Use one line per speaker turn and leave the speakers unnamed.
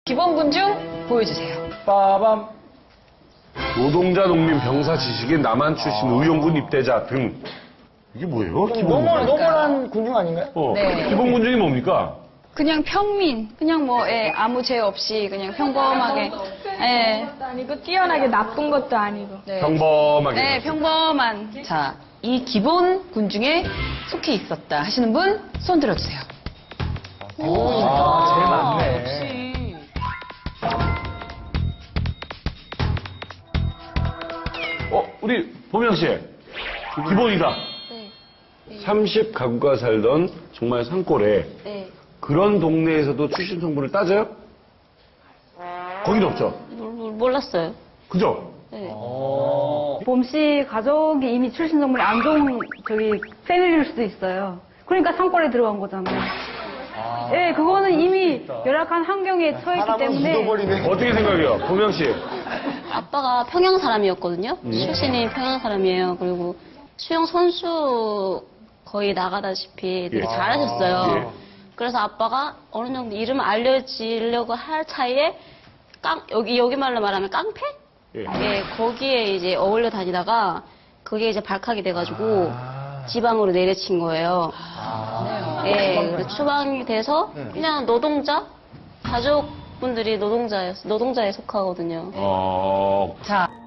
기본군 중 보여주세요.
빠밤.
노동자, 농민, 병사, 지식인, 남한 출신, 의용군 입대자 등. 이게 뭐예요?
노멀한 군중 아닌가요?
네.
기본군 중이 뭡니까?
그냥 평민, 그냥 뭐 아무 죄 없이 그냥 평범하게,
아니고 뛰어나게 나쁜 것도 아니고.
네.
평범하게.
평범한.
자, 이 기본군 중에 속해 있었다 하시는 분 손 들어주세요.
제일 많네.
우리 보명 씨. 기본이다.
네.
30가구가 살던 정말 산골에
네.
그런 동네에서도 출신 성분을 따져요? 거긴 없죠.
몰랐어요.
그죠?
네.
봄씨 가족이 이미 출신 정물이 안 좋은 패밀리일 수도 있어요. 그러니까 산골에 들어간 거잖아요. 예, 그거는 이미 열악한 환경에 처했기 때문에.
묻어버리네.
어떻게 생각해요? 보명 씨.
아빠가 평양 사람이었거든요. 출신이 평양 사람이에요. 그리고 수영 선수 거의 나가다시피 되게
예.
잘하셨어요.
예.
그래서 아빠가 어느 정도 이름을 알려지려고 할 차이에 여기 말로 말하면 깡패?
예.
예, 거기에 이제 어울려 다니다가 그게 이제 발칵이 돼가지고 지방으로 내려친 거예요. 예, 그 추방이 돼서 그냥 노동자? 가족분들이 노동자에 속하거든요.
자,